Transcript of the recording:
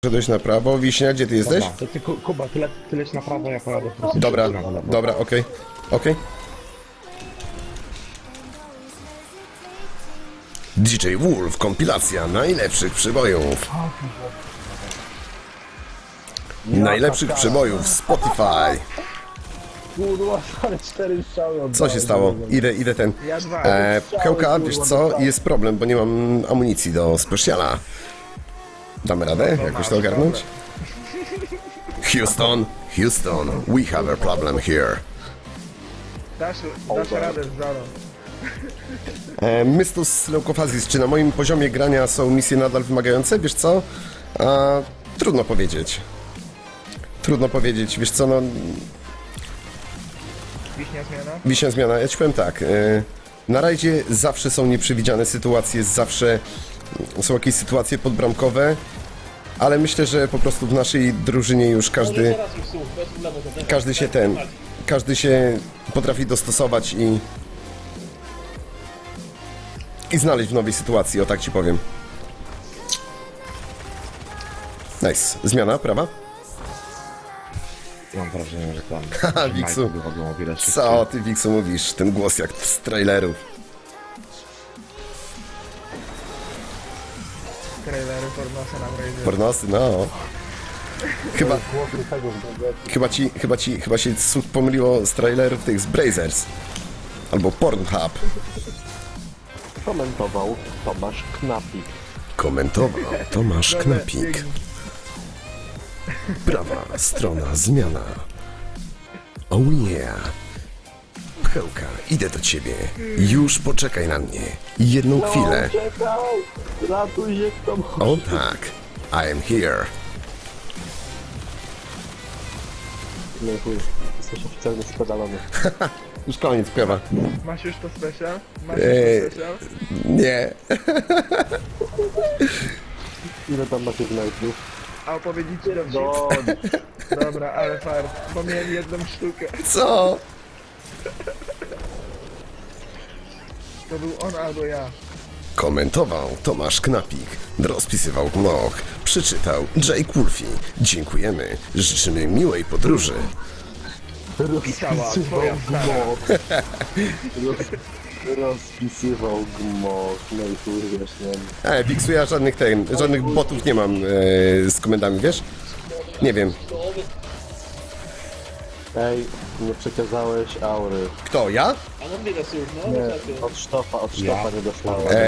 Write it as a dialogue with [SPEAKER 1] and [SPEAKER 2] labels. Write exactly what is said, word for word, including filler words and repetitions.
[SPEAKER 1] Szedłeś na prawo. Wiśnia, gdzie ty jesteś?
[SPEAKER 2] Dobra, to ty, Ku- Kuba, ty, le, ty leć na prawo, ja pojadę po prostu.
[SPEAKER 1] Dobra,
[SPEAKER 2] na lewo.
[SPEAKER 1] dobra, okej, okej. D J Wolf, kompilacja najlepszych przybojów. Najlepszych przybojów Spotify.
[SPEAKER 2] Kurwa, ale cztery strzały oddałem.
[SPEAKER 1] Co się stało? Idę, idę ten.
[SPEAKER 2] Ja dwa.
[SPEAKER 1] E, Pchełka, wiesz co? Jest problem, bo nie mam amunicji do speciala. Damy radę jakoś to ogarnąć? Houston, Houston, we have a problem here.
[SPEAKER 3] Dasz, dasz radę z Zarą.
[SPEAKER 1] E, Mystus Leukofazis, czy na moim poziomie grania są misje nadal wymagające? Wiesz co? A, trudno powiedzieć. Trudno powiedzieć, wiesz co, no...
[SPEAKER 3] Wiśnia zmiana.
[SPEAKER 1] Wiśnia zmiana, ja ci powiem tak. E, na rajdzie zawsze są nieprzewidziane sytuacje, zawsze są jakieś sytuacje podbramkowe, ale myślę, że po prostu w naszej drużynie już każdy... Każdy się ten... Każdy się potrafi dostosować i... I znaleźć w nowej sytuacji, o tak ci powiem. Nice. Zmiana, prawa?
[SPEAKER 2] Mam wrażenie, że tam...
[SPEAKER 1] Haha, Wiksu.
[SPEAKER 2] wychodzą o wiele szybciej.
[SPEAKER 1] Co ty, Wiksu, mówisz? Ten głos jak z trailerów.
[SPEAKER 3] Trailery Fornosa na Brazie.
[SPEAKER 1] Pornosy, no. Chyba, chyba ci, chyba ci, chyba się cud pomyliło z trailerów tych z Brazers. Albo Pornhub.
[SPEAKER 4] Komentował Tomasz Knapik.
[SPEAKER 1] Komentował Tomasz Knapik. Prawa strona zmiana. Oh yeah. Pchełka, idę do ciebie. Już poczekaj na mnie. Jedną chwilę.
[SPEAKER 4] Czekaj! Ratuj się kto może.
[SPEAKER 1] O tak. I am here.
[SPEAKER 4] Nie chuj, jesteś oficjalnie spedalony.
[SPEAKER 1] Już koniec, prawa.
[SPEAKER 3] Masz już to special? Masz
[SPEAKER 1] Eee.
[SPEAKER 3] już to special?
[SPEAKER 1] Nie.
[SPEAKER 4] Ile tam macie znajdów?
[SPEAKER 3] A opowiedzieć ci dowcip?
[SPEAKER 4] No,
[SPEAKER 3] Dobra, ale fart, bo mieli jedną sztukę.
[SPEAKER 1] Co?
[SPEAKER 3] To był on albo ja.
[SPEAKER 1] Komentował Tomasz Knapik, rozpisywał Gmoch, przeczytał Jake Wolfie. Dziękujemy, życzymy miłej podróży.
[SPEAKER 3] Pisała twoja stara.
[SPEAKER 4] gmoch. Roz, rozpisywał gmoch. No i chuj, wiesz, nie.
[SPEAKER 1] E, Wiksu, ja żadnych, ten, żadnych botów nie mam e, z komendami, wiesz? Nie wiem.
[SPEAKER 4] Ej, nie przekazałeś aury.
[SPEAKER 1] Kto, ja?
[SPEAKER 4] Nie, od sztofa, od sztofa nie dostałem.
[SPEAKER 1] E,